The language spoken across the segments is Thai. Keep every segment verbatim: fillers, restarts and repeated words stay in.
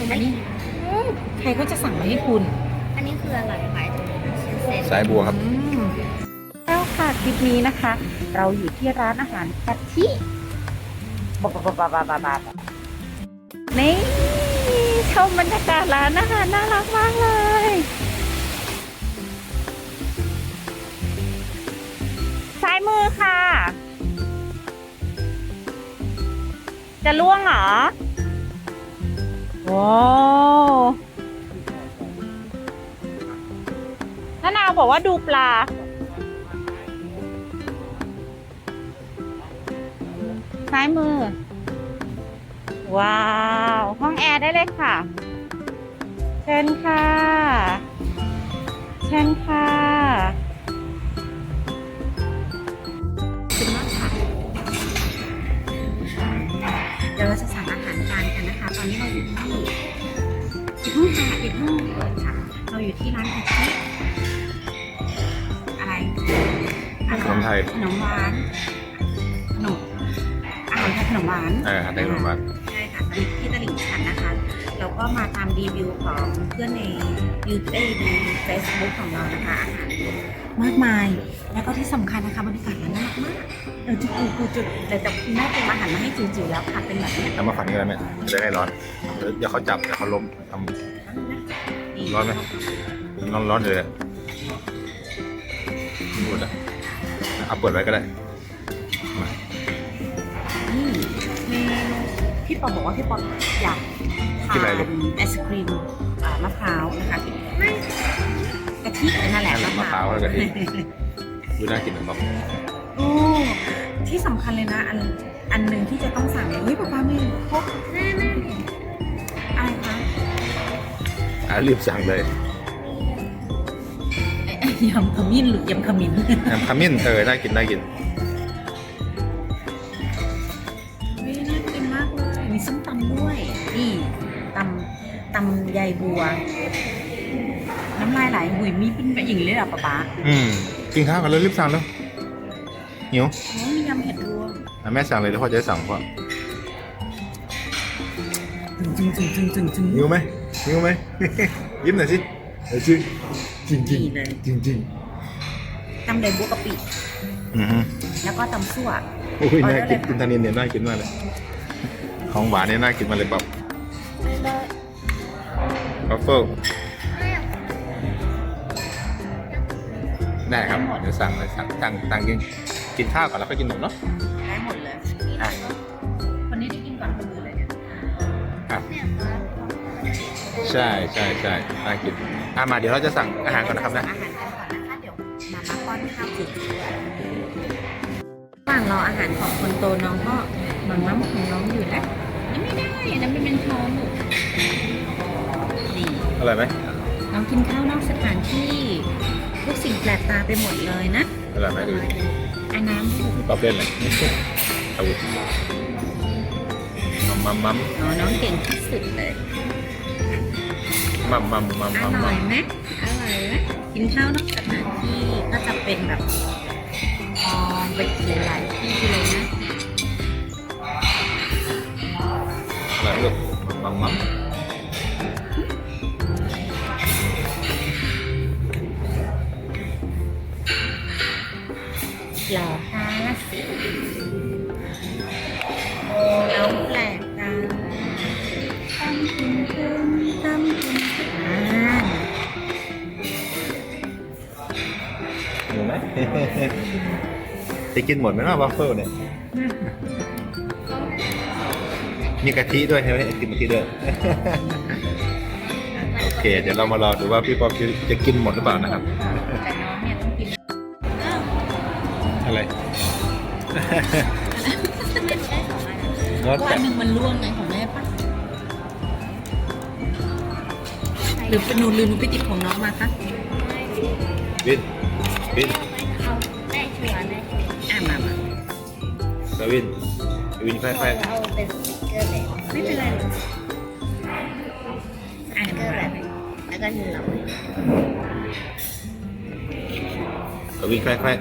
อันนี้ใครก็จะสั่งมาให้คุณอันนี้คืออะไรหมายถึงเส้นสายบัวครับแล้วค่ะคลิปนี้นะคะ เราอยู่ที่ร้านอาหารกะทิบาบาบาบาบาบานี่ชมบรรยากาศร้านอาหารน่ารักมากเลยซ้ายมือค่ะ จะล่วงเหรอว้าวน้านาวบอกว่าดูปลาซ้ายมือว้าวห้องแอร์ได้เลยค่ะเชิญค่ะเชิญค่ะเดี๋ยวเราจะสั่งอาหารทานกันนะคะ ตอนนี้เราอยู่ที่อีกห้องค่ะอีกห้องค่ะเราอยู่ที่ร้านกะทิอะไรขนมไทยขนมหวานขนมอาหารไทยขนมหวานเอออาหารไทยขนมหวานใช่ค่ะที่ตลิ่งชันนะคะแล้วก็มาตามรีวิวของเพื่อนในยูทูบในเฟซบุ๊กของเรานะคะอาหารมากมายแล้วก็ที่สำคัญนะคะบรรยากาศร้านน่ารักมากเออจุดกูจุดแต่แต่คุณแม่เตรียมอาหารมาให้จิ๋วๆแล้วค่ะเป็นแบบนี้ทำมาฝันกันเลยไหมจะได้ร้อนเดี๋ยวเขาจับเดี๋ยวเขาล้มทำร้อนไหมร้อนร้อนเลยหมดอ่ะเอาเปิดไว้ก็ได้มานี่เมนูพี่ปอบอกว่าพี่ปออยากทานไอศครีมมะพร้าวนะคะไม่กะทินั่นแหละมะพร้าวแล้วกะทิดูน่ากินเหมือนแบบโอ้ที่สำคัญเลยนะอันอันหนึ่งที่จะต้องสั่งเลยเฮ้ยป๊าป๊าไม่พกแน่ๆอะไรคะอ่ะรีบสั่งเลยยำขมิ้นหรือยำขมิ้นน้ำขมิ้นเออน่ากินน่ากินไม่น่ากินมากเลยมีส้มตำด้วยนี่ตำตำใยบัว น้ำลายไหลหุยมีเป็นแบบอย่างนี้เลยเหรอป๊าป๊าอืมกินข้าวกันเลยรีบสั่งแล้วหิวโอ้มียำเห็ดรวมอ่ะแม่สั่งเลยแล้วพ่อจะได้สั่งพ่อจึงจึงจึงจึงจึงหิวไหมหิวไหม ยิ้มหน่อยสิเออจริงจริงจริงดีเลยจริงจริงตำใยบัวกะปิอือฮึแล้วก็ตำซั่วโอ้ยน่ากินกินทานินเนี่ยน่ากินมากเลยของหวานเนี่ยน่ากินมากเลยแบบบัฟเฟิลได้ครับเดี๋ยวสั่งเลยสั่งสั่งสั่งกินกินข้าวก่อนแล้วค่อยกินหมดเนาะได้หมดเลยอ่ะคนนี้ได้กินก่อนคนอื่นเลยเนี่ยครับใช่ใช่ใช่น่ากินอ่ะมาเดี๋ยวเราจะสั่งอาหารก่อนนะครับนะอาหารกันก่อนนะคะเดี๋ยวมามาป้อนข้าวจิ๋วระหว่างรออาหารของคนโตน้องก็มังมั่มของน้องอยู่นะยังไม่ได้อันนั้นเป็นเป็นท้องลูกนี่อร่อยไหมน้องกินข้าวนอกสถานที่ทุกสิ่งแปลกตาไปหมดเลยนะอร่อยไหมดูดิอันน้ำถูกมีป๊อปเล่นเลยเอาวุธมัมมัมมัมอ๋อน้องเก่งที่สุดเลยมัมมัมมัมอมัมร่มัอยมไหมอร่อยไหมกินข้าวนอกสถานที่ก็จะเป็นแบบมองไปหลายๆที่เลยนะอร่อยลูกมัมมัมหล่อห้าสิบน้องแปลกตาตั้มคุณขึ้นตั้มคุณขึ้นอ่านหิวไหม จะกินหมดไหมเนาะวัฟเฟิลเนี่ยมีกะทิด้วยใช่ไหมกินกะทิด้วย โอเค เดี๋ยวเรามารอดูว่าพี่ป๊อปจะกินหมดหรือเปล่านะครับแต่น้องเนี่ยต้องกินอะไรเพราะอันหนึ่งมันร่วงไงของแม่ปะหรือเป็นหนูลืมหนูไปติดของน้องมาคะบินบินเอาได้ชัวร์ได้ชัวร์อ่ะมามากวินกวินค่อยเอาเป็นสติ๊กเกอร์เลยไม่เป็นไรหรอกอ่ะสติ๊กเกอร์มาแบบแล้วก็เหนาๆกวินค่อยๆ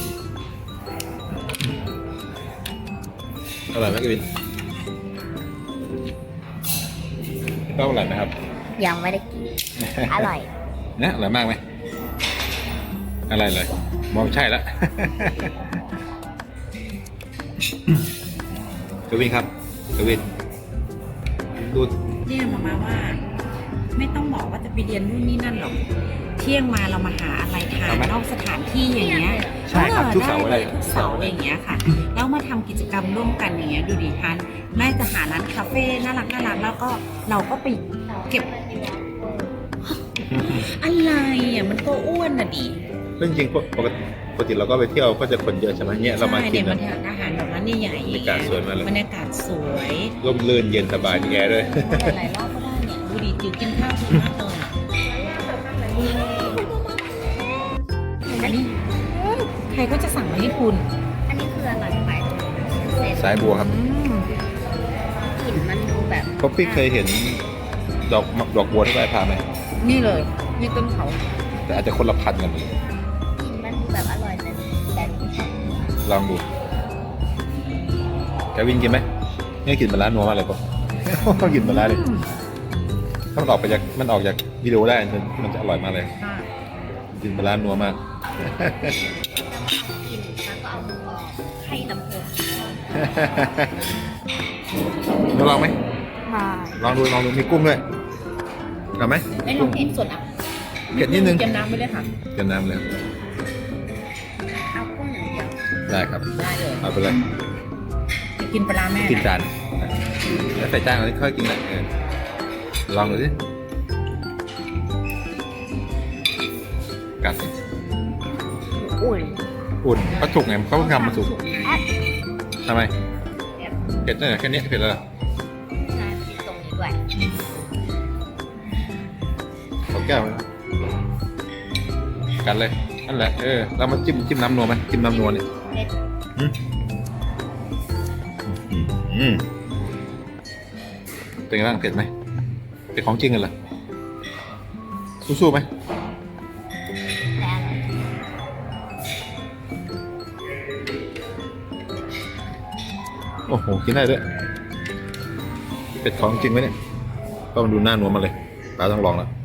อร่อยไหมกวินก็อร่อยนะครับยังไม่ได้กิน อร่อยนะอร่อยมากไหมอะไรเลยมองใช่แล้ว กวินครับกวินดูเนี่ยมามาว่า ไม่ต้องบอกว่าจะไปเรียนนู่นนี่นั่นหรอกเที่ยงมาเรามาหาอะไรทานนอกสถานที่อย่างเงี้ยใช่ครับทุกเสาร์ได้อะไรเลยทุกเสาร์อย่างเงี้ยค่ะแล้วมาทำกิจกรรมร่วมกันอย่างเงี้ยดูดิทานแม่จะหาร้านคาเฟ่น่ารักน่ารักแล้วก็เราก็ไปเก็บอะไรอ่ะมันก็อ้วนน่ะดิซึ่งจริงๆปกติปกติเราก็ไปเที่ยวก็จะคนเยอะใช่ไหมเนี่ยเรามากินใช่เนี่ยแบมับนทานอาหารแบบนั้นใหญ่ๆบรรยากาศสวยมากเลยบรรยากาศสวยร่มรื่นเย็นสบายมีแอร์ด้วยหลายๆรอบก็ได้เนี่ยดูดิจิ๋วกินข้าวดีมากเลยอะอันนี้ใครก็จะสั่งมาให้คุณอันนี้คืออะไรขายตรงนี้เส้นสายบัวครับอืมกลิ่นมันดูแบบเพราะพี่เคยเห็นดอกดอกบัวที่ใบพาไหมนี่เลยนี่ต้นเขาแต่อาจจะคนละพันกันเลยกลิ่นมันดูแบบอร่อยแต่แต่ไม่ชอบลองดูแกวินกินไหมเนี่ยกินมาล้านนัวมากเลยปะ กินมาล้านเลยอืมถ้ามันออกไปจากมันออกจากวิดีโอได้มันมันจะอร่อยมากเลยค่ะกินมาล้านนัวมากกินแล้วก็เอามือออกให้ลำโพงมาลองไหมมาลองดูลองดูมีกุ้งด้วยเอาไหมไอ้ลองเผ็ดสดอ่ะเผ็ดนิดนึงเตรียมน้ำไปเลยค่ะเกินน้ำเลยเอากุ้งอย่างเดียวได้ครับได้เลยเอาไปเลยจะกินปลาร้าแม่กินนะจานแล้วใส่จานแล้วค่อยกินแหละเออลองดูสิกัดสิอุ่นอุ่นเขาสุกไงเขาทำมาสุกแอปทำไมเผ็ดเนี่ยแค่นี้เผ็ดแล้วเหรอนาทีตรงนี้ด้วยขอแก้วนะกันเลยนั่นแหละเออเรามาจิ้มจิ้มน้ำนัวไหมจิ้มน้ำนัวเนี่ยเผ็ดอืมอืมอืมเป็นไงบ้างเผ็ดไหมเป็นของจริงกันเหรอสู้ๆไหมแต่อร่อยโอ้โหกินได้ด้วยเป็ดของจริงไหมเนี่ยก็มาดูหน้านัวมาเลยตาต้องลองแล้ว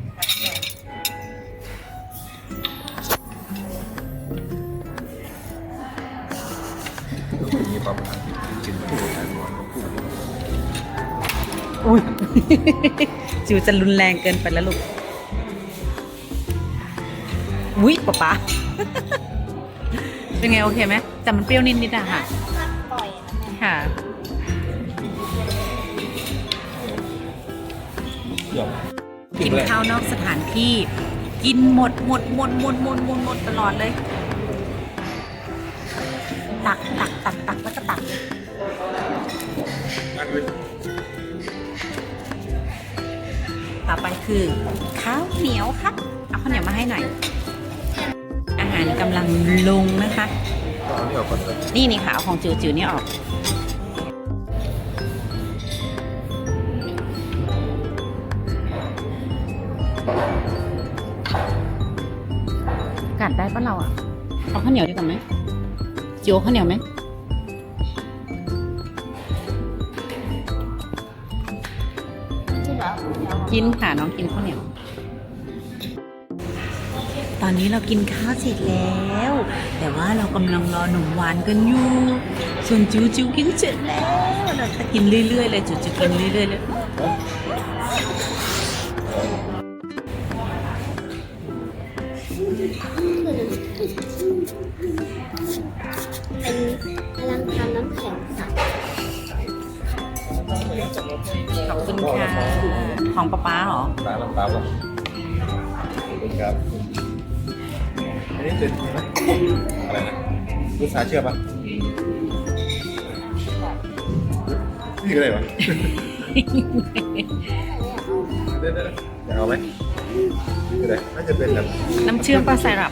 มีปลาหมึกกินคู่กันนัวคู่อุ้ย จิ๋วจะรุนแรงเกินไปแล้วลูกอุ้ยป๊าป๊า เป็นไงโอเคไหมแต่มันเปรี้ยวนิดๆอะค่ะก็ปล่อยนะแม่ค่ะเดี๋ยวกินข้าวนอกสถานที่ กินหมดหมดหมดหมดหมดหมดหมดตลอดเลย ตักตักตักตักแล้วก็ตัก ต่อไปคือข้าวเหนียวครับ เอาข้าวเหนียวมาให้หน่อย อาหารกำลังลงนะคะเอานี่ออกก่อนเลยนี่นี่ค่ะเอาของจิ๋วจิ๋วนี่ออก กัดได้ปะเราอ่ะ เอาข้าวเหนียวดีกว่าไหมจิ๋วเอาข้าวเหนียวไหมที่เหรอกินค่ะน้องกินข้าวเหนียว ตอนนี้เรากินข้าวเสร็จแล้ว แต่ว่าเรากำลังรอหนุ่มหวานกันอยู่ ส่วนจิ๋วจิ๋วกินเสร็จแล้ว เราจะกินเรื่อยๆเลยจิ๋วจิ๋วกินเรื่อยๆเลยเป็นพลังทำน้ำแข็งใสขอบคุณค่ะ ของป๊าป๊าเหรอตาลำตาลขอบคุณครับอันนี้เป็นอะไรนะลูกสาวเชื่อปะนี่ก็ได้ปะเดี๋ยวเดี๋ยวอยากเอาไหมก็ได้น่าจะเป็นแบบน้ำเชื่อมปลาไซรัป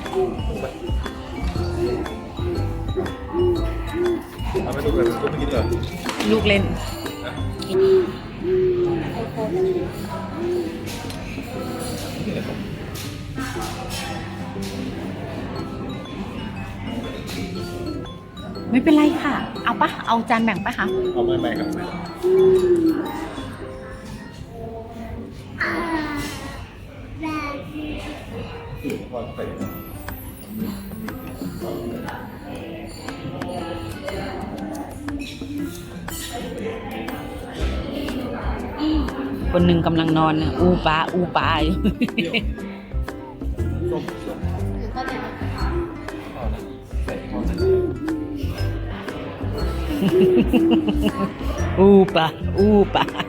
เอาไปดูกันดูไม่กินเหรอลูกเล่น ไม่เป็นไรค่ะ เอาปะเอาจานแบ่งปะคะเอาไม่ไม่ครับไม่คนหนึ่งกำลังนอนน่ะอูปลาอูปลาอยู่ส้มส้มหรือก็แบบเอานะใส่ข้าวนะอูปลาอูปลา